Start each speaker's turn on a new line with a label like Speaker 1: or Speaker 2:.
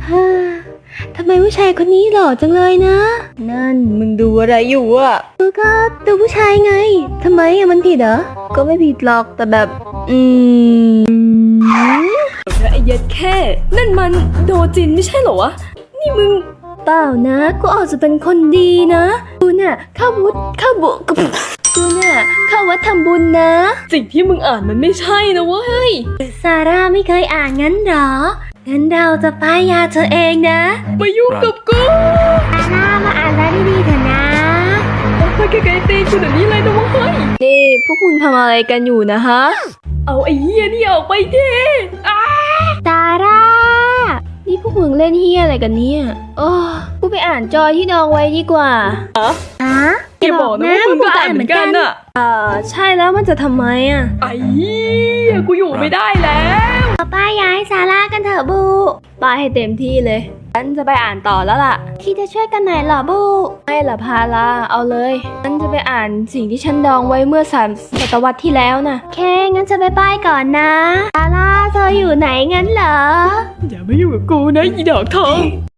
Speaker 1: ฮ่าทำไมผู้ชายคนนี้หล่อจังเลยนะนั่นมึงดูอะไรอยู่อะก็ดูผู้ชายไงทำไมอะมันผิดเหรอก็ไม่ผิดหรอกแต่แบบ
Speaker 2: ไอ้เย็ดแค่นั่นมันโดจินไม่ใช่เหรอวะนี่มึง
Speaker 1: เปล่านะกูอาจจะเป็นคนดีนะกูเนี่ยเข้าวัดทำบุญนะ
Speaker 2: สิ่งที่มึงอ่านมันไม่ใช่นะเว้ย
Speaker 1: ซาร่าไม่เคยอ่านงั้นหรองั้นเราจะป้ายยาเธอเองนะ
Speaker 2: มายุ่งกับกู
Speaker 1: ซาร่ามาอ่านแล้วดีๆเถอะนะ
Speaker 2: ไปไกลๆตีกูเดี๋ยวนี้เลยนะเว้ย
Speaker 1: นี่พวกมึงทำอะไรกันอยู่นะฮะ
Speaker 2: เอาไอ้เหี้ยนี่ออกไปเถอะ
Speaker 1: ซาร่านี่พวกมึงเล่นเฮียอะไรกันเนี่ยโอ้กูไปอ่านจอยที่ดองไว้ดีกว่าฮะ
Speaker 2: อย่าบอกนะว่ามึงก็อ่านเหมือนกันอะ
Speaker 1: ใช่แล้วมันจะทำไมอะ
Speaker 2: ไอ้เหี้ยกูอยู่ไม่ได้แล้ว
Speaker 1: ป้ายย้ายซาร่ากันเถอะบูป้ายให้เต็มที่เลยฉันจะไปอ่านต่อแล้วล่ะคิดจะช่วยกันไหนเหรอบูไม่ล่ะพาลาเอาเลยฉันจะไปอ่านสิ่งที่ฉันดองไว้เมื่อ3 ศตวรรษที่แล้วนะโอเคงั้นจะไปป้ายก่อนนะซาร่าเธออยู่ไหนงั้นเหรอ
Speaker 2: อย่ามาอยู่กับกูนะอีดอกทอง